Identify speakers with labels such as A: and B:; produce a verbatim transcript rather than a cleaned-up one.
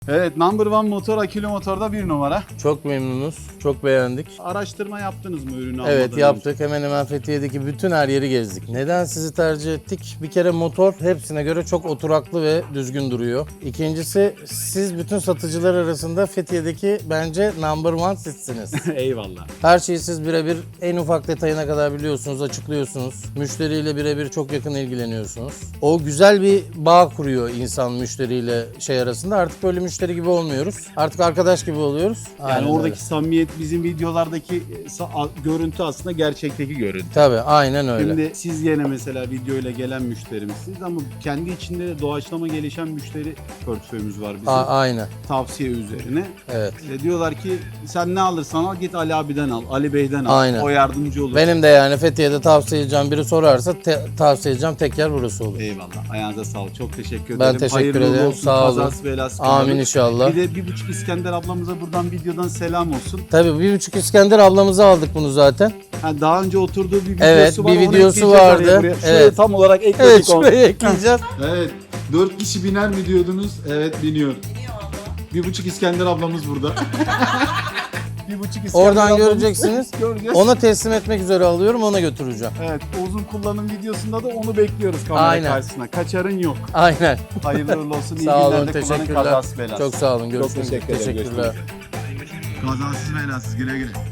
A: Evet, Number One Motor Akülü Motor'da bir numara.
B: Çok memnunuz, çok beğendik.
A: Araştırma yaptınız mı ürünü almadan
B: Evet
A: önce?
B: yaptık. Hemen hemen Fethiye'deki bütün her yeri gezdik. Neden sizi tercih ettik? Bir kere motor hepsine göre çok oturaklı ve düzgün duruyor. İkincisi siz bütün satıcılar arasında Fethiye'deki bence number one sizsiniz.
A: Eyvallah.
B: Her şeyi siz birebir en ufak detayına kadar biliyorsunuz, açıklıyorsunuz. Müşteriyle birebir çok yakın ilgileniyorsunuz. O güzel bir bağ kuruyor insan müşteriyle şey arasında. Artık böyle müşteri gibi olmuyoruz. Artık arkadaş gibi oluyoruz.
A: Yani
B: Aynen
A: oradaki
B: öyle.
A: samimiyet bizim videolardaki sa- görüntü aslında gerçekteki görüntü.
B: Tabii aynen öyle.
A: Şimdi siz yine mesela videoyla gelen müşterimizsiniz ama kendi içinde de doğaçlama gelişen müşteri portföyümüz var bizim.
B: A- aynen.
A: Tavsiye üzerine.
B: Evet.
A: E, diyorlar ki sen ne alırsan al git Ali abiden al, Ali Bey'den al.
B: Aynen.
A: O yardımcı olur.
B: Benim de yani Fethiye'de tavsiye edeceğim biri sorarsa te- tavsiye edeceğim tek yer burası olur.
A: Eyvallah. Ayağınıza sağlık. Çok teşekkür ederim.
B: Ben teşekkür
A: Hayırlı
B: ederim.
A: olsun.
B: Sağ olun.
A: Kazası belası
B: Amin
A: kalmadı.
B: inşallah.
A: Bir de bir buçuk İskender ablamıza buradan videodan selam olsun.
B: Tabii bir buçuk İskender ablamıza aldık bunu zaten.
A: Ha, daha önce oturduğu bir videosu
B: Evet,
A: var.
B: bir
A: onu
B: videosu
A: ekleyeceğiz
B: vardı.
A: araya buraya. Şuraya
B: Evet.
A: tam olarak ekledik
B: Evet
A: onu.
B: şuraya ekleyeceğiz.
A: Evet. Dört kişi biner mi diyordunuz? Evet biniyor. Bir buçuk İskender ablamız burada. bir buçuk İskender
B: Oradan
A: ablamız.
B: göreceksiniz.
A: Göreceğiz.
B: Ona teslim etmek üzere alıyorum, ona götüreceğim.
A: Evet, uzun kullanım videosunda da onu bekliyoruz kamera
B: Aynen.
A: karşısına. Kaçarın yok.
B: Aynen.
A: Hayırlı uğurlu olsun. İyi
B: Sağ olun,
A: günlerde kullanın,
B: teşekkürler.
A: kazasız belasız.
B: Çok sağ olun, görüşmek üzere.
A: teşekkür ederim,
B: Teşekkürler.
A: Kazasız belasız güle güle.